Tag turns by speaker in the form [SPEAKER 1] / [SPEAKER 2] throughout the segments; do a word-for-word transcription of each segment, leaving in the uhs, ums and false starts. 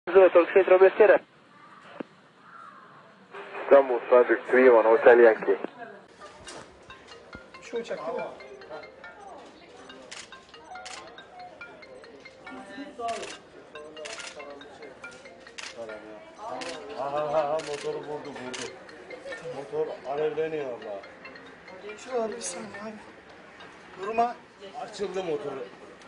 [SPEAKER 1] Turkish Central Bestiera.
[SPEAKER 2] İstanbul Sadık üç bir Hotel Yankee.
[SPEAKER 3] Şu uçak değil mi?
[SPEAKER 4] Ha ha ha motoru vurdu vurdu. Motor alevleniyor valla.
[SPEAKER 3] Şu abi bir saniye abi. Durma.
[SPEAKER 4] Açıldı motoru.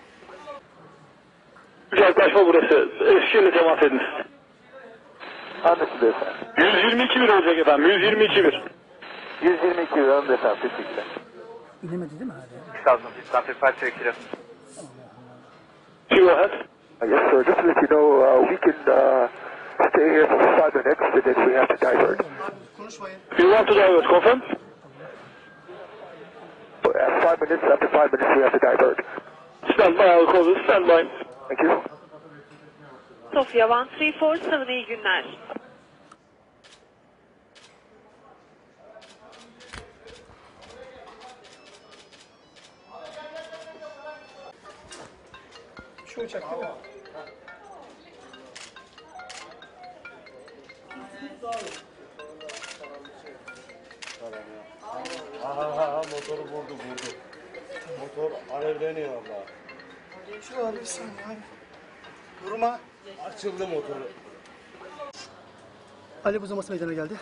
[SPEAKER 5] Uzaklaşma burası. Eskişehir'le temas edin.
[SPEAKER 2] Anlaşıldı efendim.
[SPEAKER 5] yüz yirmi iki bir olacak efendim. yüz yirmi iki bir.
[SPEAKER 2] yüz yirmi iki önde efendim. Teşekkürler.
[SPEAKER 6] İnemedi değil mi hala?
[SPEAKER 2] iki thousand feet, traffic five three kilo.
[SPEAKER 5] Go ahead.
[SPEAKER 2] Yes sir, just to let you know, uh, we can uh, stay here for five minutes and then we have to divert.
[SPEAKER 3] Abi konuşmayın.
[SPEAKER 5] You want to divert, confirm?
[SPEAKER 2] At five minutes, after five minutes we have to divert.
[SPEAKER 5] Stand by, I'll call this. Stand by.
[SPEAKER 2] Thank you.
[SPEAKER 7] Sofia one three four seven, iyi günler.
[SPEAKER 3] Şu uçak değil mi?
[SPEAKER 4] Ha ha ha motoru vurdu vurdu. Motor alevleniyor valla.
[SPEAKER 3] Şu abi bir saniye abi. Durma.
[SPEAKER 4] Açıldı motoru.
[SPEAKER 6] Alev uzaması meydana geldi.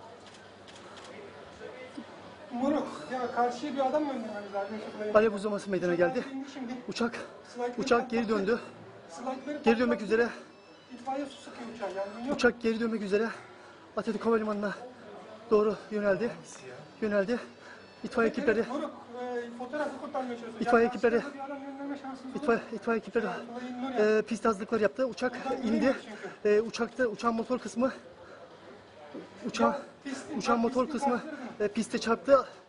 [SPEAKER 3] Moruk. Ya karşıya bir adam göndermemiz lazım.
[SPEAKER 6] Alev uzaması meydana geldi.
[SPEAKER 3] Şimdi
[SPEAKER 6] Uçak
[SPEAKER 3] slaytları
[SPEAKER 6] uçak geri
[SPEAKER 3] patlattı.
[SPEAKER 6] döndü.
[SPEAKER 3] Slaytları
[SPEAKER 6] Geri dönmek
[SPEAKER 3] patlattı.
[SPEAKER 6] üzere.
[SPEAKER 3] İtfaiye su sıkıyor uçağa yani. Yok.
[SPEAKER 6] Uçak geri dönmek üzere. Atatürk Havalimanı'na doğru yöneldi. Yöneldi. İtfaiye ekipleri,
[SPEAKER 3] Evet, moruk. E, fotoğrafı kurtarmaya çalışıyor.
[SPEAKER 6] İtfaiye
[SPEAKER 3] Yani
[SPEAKER 6] ekipleri,
[SPEAKER 3] karşıda bir adam gönderme şansımız yok.
[SPEAKER 6] itfaiye, itfaiye ekipleri e, pist hazırlıkları yaptı. Uçak indi. E, uçakta uçağın motor kısmı uçağın, uçağın motor kısmı e, piste çarptı.